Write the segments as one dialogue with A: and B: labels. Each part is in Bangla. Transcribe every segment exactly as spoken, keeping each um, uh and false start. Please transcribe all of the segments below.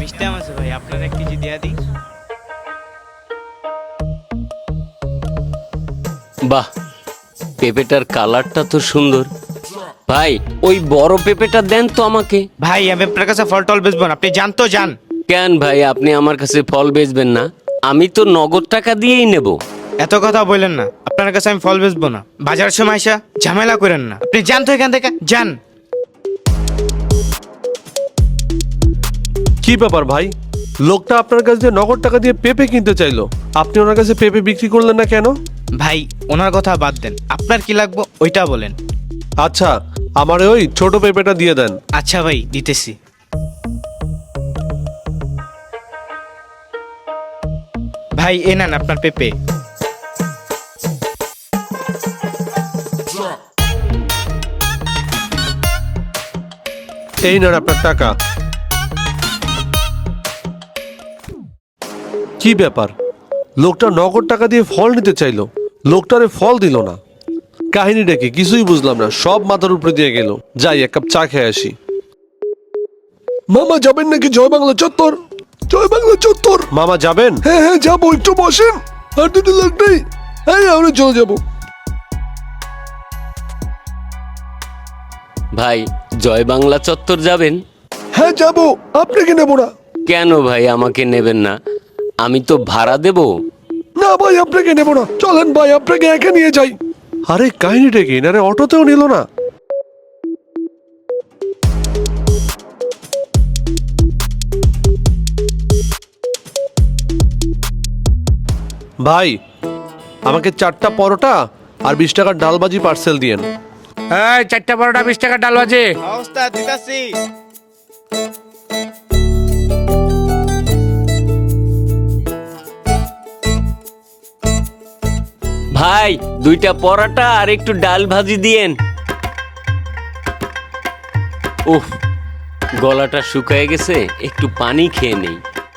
A: সিস্টেম আছে ভাই, আপনার এক কেজি দেয়া দিই।
B: বাহ, পেঁপেটার কালারটা তো সুন্দর। ভাই ওই বড় পেঁপেটা দেন তো আমাকে।
A: ভাই আমি আপনার কাছে ফল টল বেচবো না, আপনি যান তো যান।
B: কেন ভাই, আপনি আমার কাছে ফল বেচবেন না? আমি তো নগদ টাকা দিয়েই নেব।
A: এত কথা বললেন না, আপনার কাছে আমি ফল বেচবো না। বাজার সময় আসা ঝামেলা করেন না, আপনি যান তো এখান থেকে, যান।
C: কি ব্যাপার ভাই, লোকটা আপনার কাছে দিয়ে নগদ টাকা দিয়ে পেঁপে কিনতে চাইলো, আপনি ওনার কাছে পেঁপে বিক্রি করলেন না কেন?
A: ভাই ওনার কথা বাদ দেন, আপনার কি লাগবে ওইটা বলেন।
C: আচ্ছা, আমার ওই ছোট পেঁপেটা দিয়ে দেন।
A: আচ্ছা ভাই দিতেছি। ভাই এ নেন আপনার পেঁপে।
C: এই নেন আপনার টাকা। কি ব্যাপার, লোকটা নগদ টাকা দিয়ে ফল নিতে চাইলো, লোকটারে ফল দিল না। কাহিনীটা কি কিছুই বুঝলাম না, সব মাথার উপরে দিয়ে গেল। যাই এক কাপ চা খেয়ে আসি।
D: মামা যাবেন নাকি জয় বাংলা চত্বর? জয় বাংলা চত্বর?
C: মামা যাবেন?
D: হ্যাঁ হ্যাঁ যাবো, একটু বসেন। আর দুটো লোক নেই, হ্যাঁ আমরা চলে যাবো।
B: ভাই জয় বাংলা চত্বর যাবেন?
D: হ্যাঁ যাবো, আপনাকে নেবো না।
B: কেন ভাই আমাকে নেবেন না? আমি তো ভাড়া দেব।
D: না ভাই আপনাকে নেবো না, চলেন ভাই আপনাকে একা নিয়ে যাই।
C: আরে কাহিনীটা কি, না রে অটোতেও নিল না। ভাই আমাকে চারটা পরোটা আর বিশ টাকার ডালবাজি পার্সেল দিয়েন।
E: এই চারটা পরোটা বিশ টাকা ডাল বাজে।
A: অবস্থা দিতাছি।
B: ভাই দুইটা পরোটা আর একটু ডাল ভাজি দিয়েন। উফ, গলাটা শুকায় গেছে, একটু পানি খেয়ে নেই।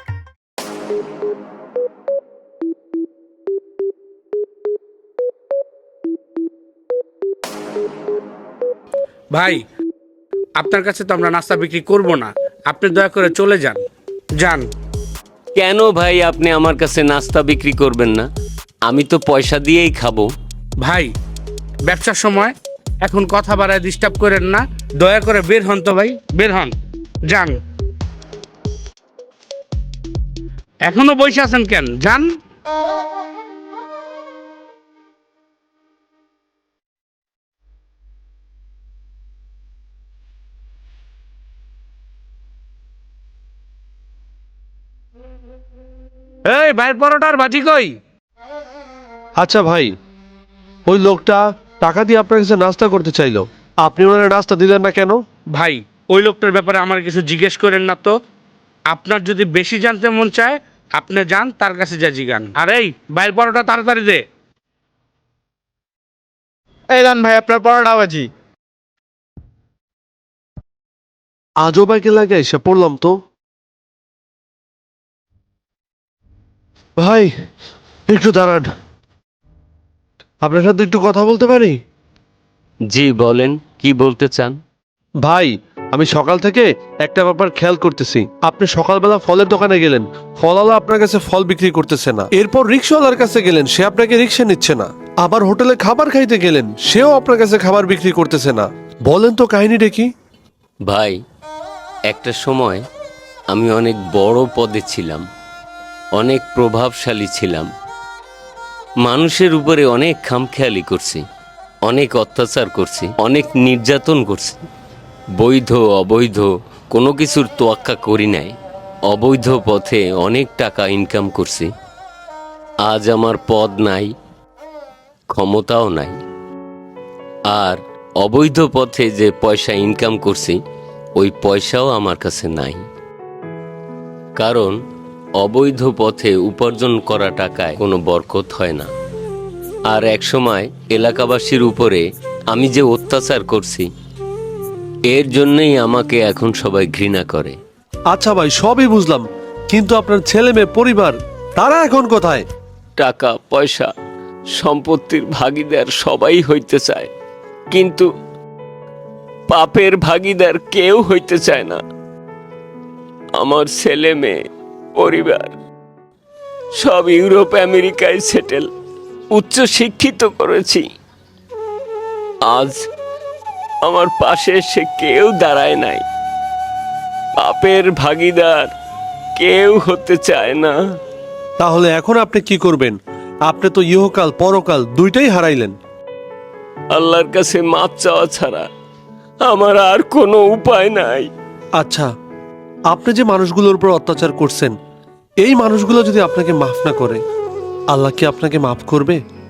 E: ভাই আপনার কাছে তো আমরা নাস্তা বিক্রি করব না, আপনি দয়া করে চলে যান। যান।
B: কেন ভাই আপনি আমার কাছে নাস্তা বিক্রি করবেন না? আমি তো পয়সা দিয়েই খাবো।
E: ভাই ব্যবসার সময় এখন কথা বাড়ায় ডিস্টার্ব করেন না, দয়া করে বের হন তো ভাই, বের হন, যান। এখনো বসে আছেন কেন, যান। এই ভাইয়ের পরোটার ভাজি কই?
C: আচ্ছা ভাই, ওই লোকটা টাকা দিয়ে আপনার কাছে নাস্তা করতে চাইলো, আপনি ওনার নাস্তা দিলেন না কেন?
E: ভাই ওই লোকটার ব্যাপারে আমার কিছু জিজ্ঞেস করেন না তো। আপনার যদি বেশি জানতে মন চায় আপনি যান তার কাছে যা জিগান। আর এই বাইরের পরোটা তাড়াতাড়ি দে।
A: এই দেন ভাই আপনার পরোটা ভাজি।
C: আজও বাইকে লাগে এসে পড়লাম তো। ভাই একটু দাঁড়ান, আপনার সাথে একটু কথা বলতে পারি?
B: জি বলেন, কি বলতে চান?
C: ভাই আমি সকাল থেকে একটা ব্যাপার খেয়াল করতেছি, আপনি সকালবেলা ফলের দোকানে গেলেন, ফলওয়ালা আপনার কাছে ফল বিক্রি করতেছে না। এরপর রিক্সাওয়ালার কাছে গেলেন, সে আপনাকে রিক্সা নিচ্ছে না। আবার হোটেলে খাবার খাইতে গেলেন, সেও আপনার কাছে খাবার বিক্রি করতেছে না। বলেন তো কাহিনীটা কি?
B: ভাই একটা সময় আমি অনেক বড় পদে ছিলাম, অনেক প্রভাবশালী ছিলাম, মানুষের উপরে অনেক খামখেয়ালি করছি, অনেক অত্যাচার করছি, অনেক নির্যাতন করছি। বৈধ অবৈধ কোনো কিছুর তোয়াক্কা করি নাই। অবৈধ পথে অনেক টাকা ইনকাম করছি। আজ আমার পদ নাই, ক্ষমতাও নাই। আর অবৈধ পথে যে পয়সা ইনকাম করছি ওই পয়সাও আমার কাছে নাই। কারণ অবৈধ পথে উপার্জন করা টাকায় কোনো বরকত হয় না। আর একসময় এলাকাবাসীর উপরে আমি যে অত্যাচার করছি এর জন্যই আমাকে এখন সবাই ঘৃণা করে।
C: আচ্ছা ভাই সবই বুঝলাম, কিন্তু আপনার ছেলে মেয়ে পরিবার তারা এখন কোথায়?
B: টাকা পয়সা সম্পত্তির ভাগীদার সবাই হইতে চায়, কিন্তু পাপের ভাগীদার কেউ হইতে চায় না। আমার ছেলে মেয়ে পরিবার সব ইউরোপ আমেরিকায় সেটেল, উচ্চ শিক্ষিত করেছি। আজ আমার পাশে সে কেউ দাঁড়ায় নাই, পাপের ভাগীদার কেউ হতে চায় না।
C: তাহলে এখন আপনি কি করবেন? আপনি তো ইহকাল পরকাল দুইটাই হারাইলেন।
B: আল্লাহর কাছে মাপ চাওয়া ছাড়া আমার আর কোনো উপায় নাই।
C: আচ্ছা, আপনি যে মানুষগুলোর উপর অত্যাচার করছেন, এই মানুষগুলো যদি আপনাকে মাফ না করে, আল্লাহ কি আপনাকে মাফ করবে?